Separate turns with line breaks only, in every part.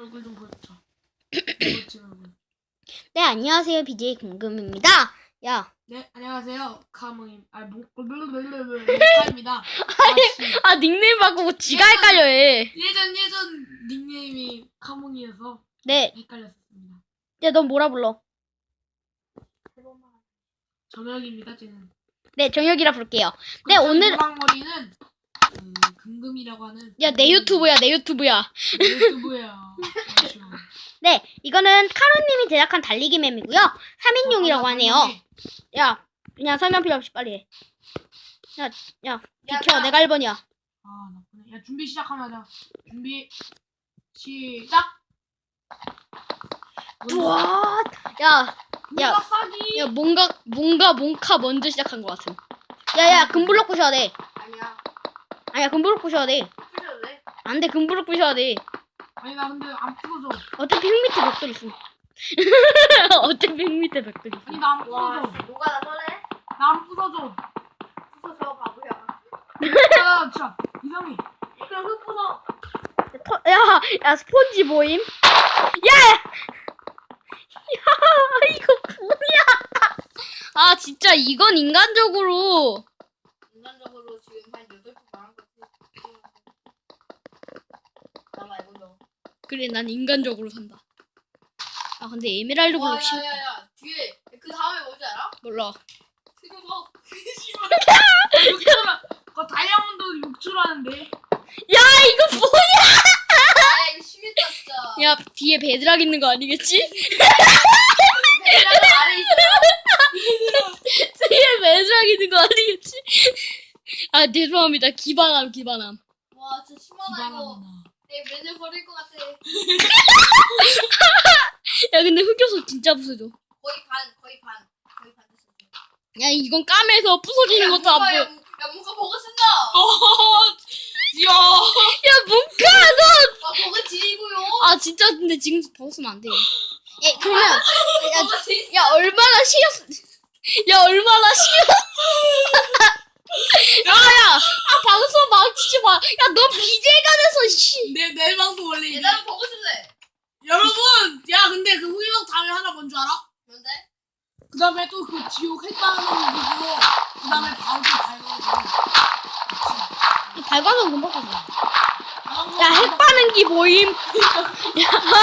얼굴 좀 보여줘. 멋진 얼굴.
네, 안녕하세요. BJ 금금입니다. 야.
네, 안녕하세요. 카모임. 카입니다.
닉네임 바꾸고 지가 헷갈려 해.
예전 닉네임이 카몽이어서
네.
헷갈렸습니다.
야, 넌 뭐라 불러?
정혁입니다, 쟤는.
네, 정혁이라 부를게요. 네, 오늘.
노랑머리는 금금이라고 하는.
야, 내 유튜브야, 내 유튜브야.
유튜브야.
네, 이거는 카로님이 제작한 달리기 맵이고요. 3인용이라고 하네요. 야, 그냥 설명 필요 없이 빨리 해. 야, 비켜. 내가 1번이야.
아, 나쁘네. 야, 준비 시작하면 하자. 준비, 시작!
우와, 야,
뭔가 싸기!
야, 뭔가 몽카 먼저 시작한 것 같음. 야, 금블럭 부셔야 돼. 아니야, 금블럭 부셔야 돼.
부셔도 돼?
안 돼, 금블럭 부셔야 돼.
아니, 나 근데 안 풀어져.
어차피 흙 밑에 벽돌 있음. 어차피 흙 밑에 벽돌 있음.
아니, 나 안
와,
풀어져.
누가 나 설레?
나 안 풀어져.
부숴, 바보야.
야, 진짜, 이상해.
그럼 흙 부숴.
야, 스폰지 모임? 야! 이거 뭐야? 아, 진짜 이건 인간적으로.
인간적으로 지금 한 8분 말한 것 같아. 나 말고도.
그래, 난 인간적으로 산다. 아, 근데 에메랄드 블록 싫다.
야야야, 뒤에 그 다음에 뭔지 알아?
몰라.
그거.
그거 다이아몬드 6초라는데.
야, 이거 뭐야?
아, 이거 심했다 진짜.
야, 뒤에 베드락 있는 거 아니겠지?
배라는 아래 있어.
뒤에 베드락 있는 거 아니겠지? 아, 죄송합니다. 기반함.
와, 진짜 심하다 이거. 내 맨을 버릴 것 같아.
야, 근데 흑요소 진짜 부서져.
거의 반 됐어.
야, 이건 까매서 부서지는 것도 안 보여.
야, 뭔가 버그 쓴다.
야,
야, 뭔가 너.
와, 버그 지리고요.
아, 진짜 근데 지금 벗으면 안 돼. 예, 그러면
버그 지.
야, 얼마나 싫었어. 야, 얼마나 싫었어. 야, 방송 망치지 마. 야, 너 BJ가 돼서 씨.
내 방송 원래 이래.
얘들아 버그 쓸래.
여러분, 야, 근데 그 후기방 다음에 하나 뭔지 알아?
뭔데?
그 다음에 또 그 지옥 핵방을 누르고, 그 다음에 바로 좀 밝아가지고.
발광은 금방 가져.
아,
야, 핵 빠는기 모임.
하는 게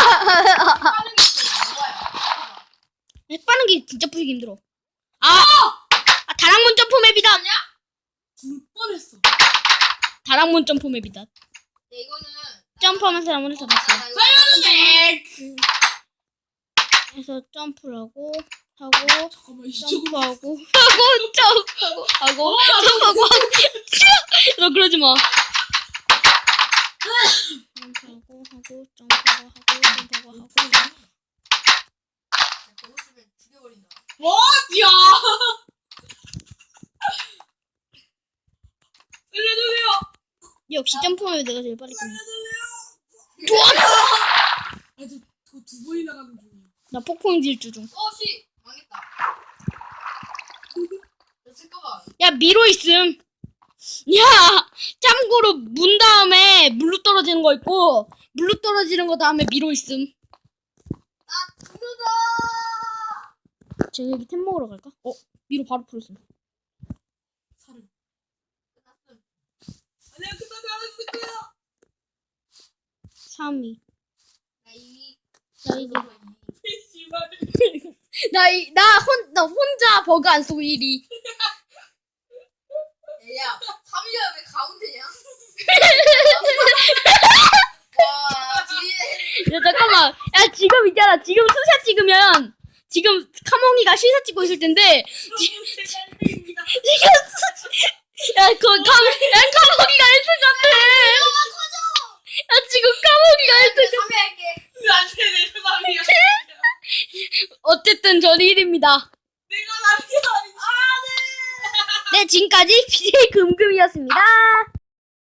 있어. 뭐야?
핵 빠는기 진짜 푸기 힘들어. 다락문 점프 맵이다.
아니야?
죽을 뻔했어.
다락문 점프 맵이다.
이거는
점프하면서 다락문을 잡았어.
사연은
그래서 점프를 하고
잠깐만, 이쪽으로.
점프하고 점프하고 너 그러지 마. 점프하고
버그 쓰면 죽여버린다.
뭐? 야! 살려주세요!
역시 점프하면 내가 제일 빨리 끝내.
아, 저두 번이나 가는 중이야.
나 폭풍 질주 중.
씨 망했다. 잠깐만.
야, 미로 있음. 야, 참고로 문 다음에 물로 떨어지는 거 있고 물로 떨어지는 거 다음에 미로 있음.
나 죽는다.
저 여기 템 먹으러 갈까? 미로 바로 풀었음.
살을.
끝났음.
아니야, 끝나지 않았을 거야.
3위.
나 이미
나 이제
씨발.
나 혼자 버그 안 쓰고 1위.
야, 3위가 왜 가운데냐? 와, 뒤에
야, 잠깐만. 야, 지금 있잖아. 지금 스샷 찍으면 지금 카몽이가 실사 찍고 있을 텐데
짤입니다.
카몽이가 1등 같아. 야, 지금 카몽이가 1등.
3위 할게.
안돼, 내 사람이야.
어쨌든 저는 1위입니다.
내가 남이야.
네, 지금까지 BJ 금금이었습니다.